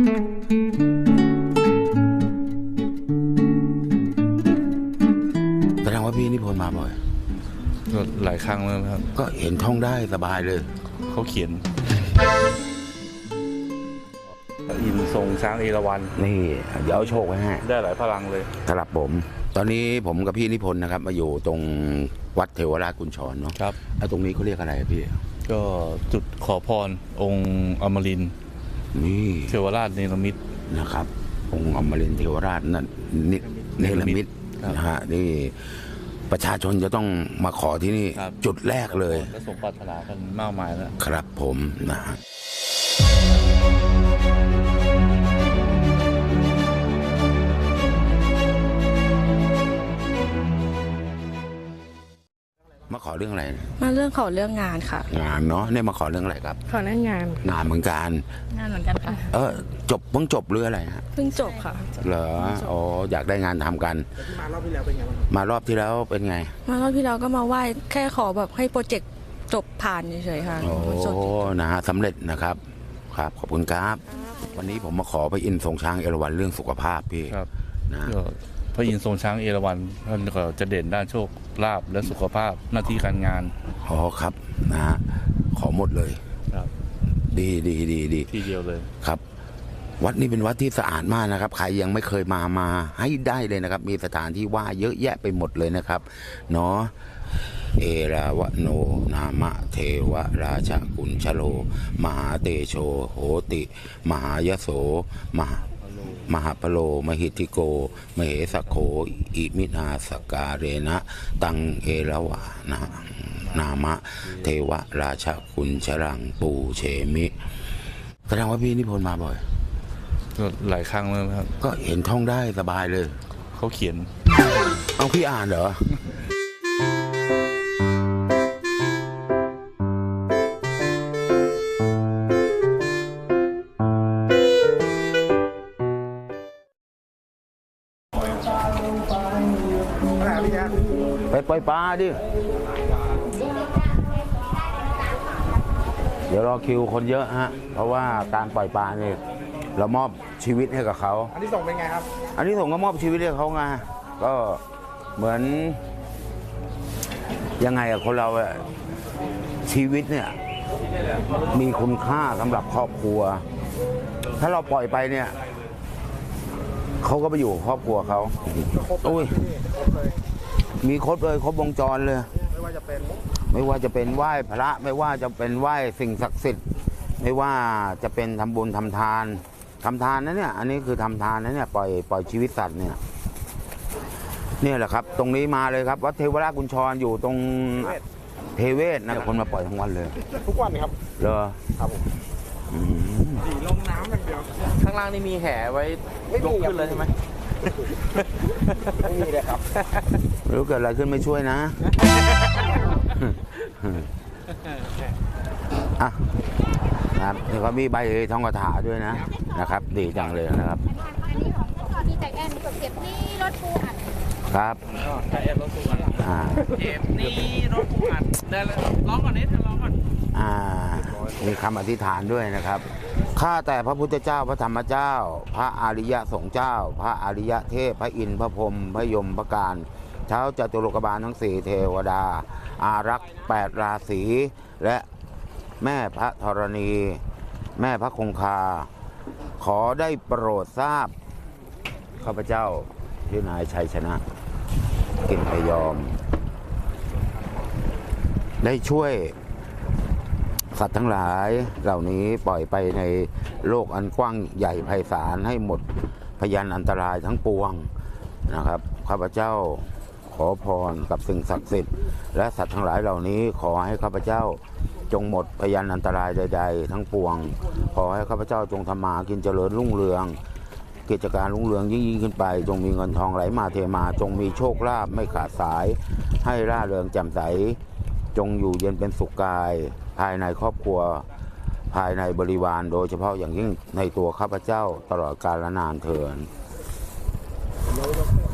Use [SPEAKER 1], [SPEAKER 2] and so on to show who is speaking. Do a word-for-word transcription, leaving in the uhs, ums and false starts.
[SPEAKER 1] แสดงว่าพี่นิพนธ์มาบ่อย
[SPEAKER 2] ก็หลายครั้งแล้วครับ
[SPEAKER 1] ก็เห็นท่องได้สบายเลย
[SPEAKER 2] เขาเขียนอินทรงช้างเอราวัณ
[SPEAKER 1] นี่เดี๋ยวเอาโชคไว้ให้
[SPEAKER 2] ได้หลายพลังเลย
[SPEAKER 1] ครับผมตอนนี้ผมกับพี่นิพนธ์นะครับมาอยู่ตรงวัดเทวราชกุญชรเนาะ
[SPEAKER 2] ครับ
[SPEAKER 1] แล้วตรงนี้เขาเรียกอะไรพี่
[SPEAKER 2] ก็จุดขอพรองค์อมรินทร์
[SPEAKER 1] นี่
[SPEAKER 2] เทวราชเนรมิต
[SPEAKER 1] นะครับองค์อมรินทร์เทวราชนั่นเนรมิตนะฮะนี่ประชาชนจะต้องมาขอที่นี่จุดแรกเลย
[SPEAKER 2] และสมปรารถนากันมากมายแล้ว
[SPEAKER 1] ครับผมนะฮะมาขอเรื่องอะไร
[SPEAKER 3] มาเรื่องขอเรื่องงานค่ะ
[SPEAKER 1] งานเนาะเนี่ยมาขอเรื่องอะไรครับ
[SPEAKER 3] ขอเรื่องงาน
[SPEAKER 1] งานเหมือนกัน
[SPEAKER 3] งานเหมือนกันค่ะ
[SPEAKER 1] เออจบเพิ่งจบหรืออะไรฮะ
[SPEAKER 3] เพิ่งจบค่ะ
[SPEAKER 1] เหรออ๋ออยากได้งานทำกัน
[SPEAKER 4] มารอบที่แล้วเป็นไงบ้าง
[SPEAKER 1] มารอบที่แล้วเป็นไง
[SPEAKER 3] มารอบที่แล้วก็มาไหว้แค่ขอแบบให้โปรเจกต์จบผ่านเฉยๆค่ะ
[SPEAKER 1] โอ้นะฮะสำเร็จนะครับครับขอบคุณครับวันนี้ผมมาขอพระอินทร์ทรงช้างเอราวัณเรื่องสุขภาพพี่
[SPEAKER 2] นะพระอินทร์ทรงช้างเอราวัณท่านก็จะเด่นด้านโชคลาภและสุขภาพหน้าที่การงาน
[SPEAKER 1] อ๋อครับนะฮะขอหมดเลย
[SPEAKER 2] ครับ
[SPEAKER 1] ดีดีดีดี
[SPEAKER 2] ทีเดียวเลย
[SPEAKER 1] ครับวัดนี้เป็นวัดที่สะอาดมากนะครับใครยังไม่เคยมามาให้ได้เลยนะครับมีสถานที่ว่าเยอะแยะไปหมดเลยนะครับเนาะเอราวโนนามะเทวราชกุญชโลมหาเตโชโหติมหายโสมหามหาพโลมหิติโกมเหสโขอิมินาสการเรนะตังเอราวานานามะเทวราชกุญชรังปูเฉมิแสดงว่าพี่นิพนธ์มาบ่อย
[SPEAKER 2] ก็หลายครั้งแล้วครับ
[SPEAKER 1] ก็เห็นท่องได้สบายเลย
[SPEAKER 2] เขาเขียน
[SPEAKER 1] เอาพี่อ่านเหรอไปปล่อยปลาดิเดี๋ยวรอคิวคนเยอะฮะเพราะว่าการปล่อยปลาเนี่ยเรามอบชีวิตให้กับเขา
[SPEAKER 4] อันนี้ส่งเป็นไงครับ
[SPEAKER 1] อันนี้ส่งก็มอบชีวิตให้เขาไงก็เหมือนยังไงอะคนเราอะชีวิตเนี่ยมีคุณค่าสำหรับครอบครัวถ้าเราปล่อยไปเนี่ยเขาก็ไปอยู่ครอบครัวเขาอุ้ยมีครบเลยครบวงจรเลย
[SPEAKER 4] ไม่ว่าจะเป็น
[SPEAKER 1] ไม่ว่าจะเป็นไหว้พระไม่ว่าจะเป็นไหว้สิ่งศักดิ์สิทธิ์ไม่ว่าจะเป็นทำบุญทำทานทำทานนะเนี่ยอันนี้คือทำทานนะเนี่ยปล่อยปล่อยชีวิตสัตว์เนี่ยเนี่ยแหละครับตรงนี้มาเลยครับวัดเทวราชกุญชรอยู่ตรงเทเวศนะคนมาปล่อยทั้งวันเลย
[SPEAKER 4] ทุกวันครับ
[SPEAKER 1] เหรอ
[SPEAKER 4] ครับผมสีลงน้ำอย่างเดียว
[SPEAKER 2] ข้างล่างนี่มีแห่ไว้ยกขึ้นเลยใช่ไหม
[SPEAKER 4] ไม่มีเลยครับ
[SPEAKER 1] ไม่รู้เกิดอะไรขึ้นไม่ช่วยนะอ่ะครับนี่เขามีใบทองกระถาด้วยนะนะครับดีจังเลยนะครับ
[SPEAKER 5] อันนี้ของมีแต่แอนเก็บนี่รถปูอัด
[SPEAKER 1] ครับ
[SPEAKER 2] แต่แอนรถปูอัด
[SPEAKER 1] อ่า
[SPEAKER 2] เก็บนี่รถปูอัดเดี๋ยวร้องก่อนนิดร้องก่อน
[SPEAKER 1] อ่ามีคำอธิษฐานด้วยนะครับข้าแต่พระพุทธเจ้าพระธรรมเจ้าพระอริยสงฆ์เจ้าพระอริยเทพพระอินทร์พระพรหมพระยมพระการเท้าจตุโลกบาลทั้งสี่เทวดาอารักษ์แปดราศีและแม่พระธรณีแม่พระคงคาขอได้โปรดทราบข้าพเจ้าที่นายชัยชนะกินพยอมได้ช่วยสัตว์ทั้งหลายเหล่านี้ปล่อยไปในโลกอันกว้างใหญ่ไพศาลให้หมดพยานอันตรายทั้งปวงนะครับข้าพเจ้าขอพรกับสิ่งศักดิ์สิทธิ์และสัตว์ทั้งหลายเหล่านี้ขอให้ข้าพเจ้าจงหมดพยานอันตรายใดๆทั้งปวงขอให้ข้าพเจ้าจงทำมากินเจริญรุ่งเรืองกิจการรุ่งเรืองยิ่งยิ่งขึ้นไปจงมีเงินทองไหลมาเทมาจงมีโชคลาภไม่ขาดสายให้ร่าเริงแจ่มใสจงอยู่เย็นเป็นสุขกายภายในครอบครัวภายในบริวารโดยเฉพาะอย่างยิ่งในตัวข้าพเจ้าตลอดกาลนานเถิด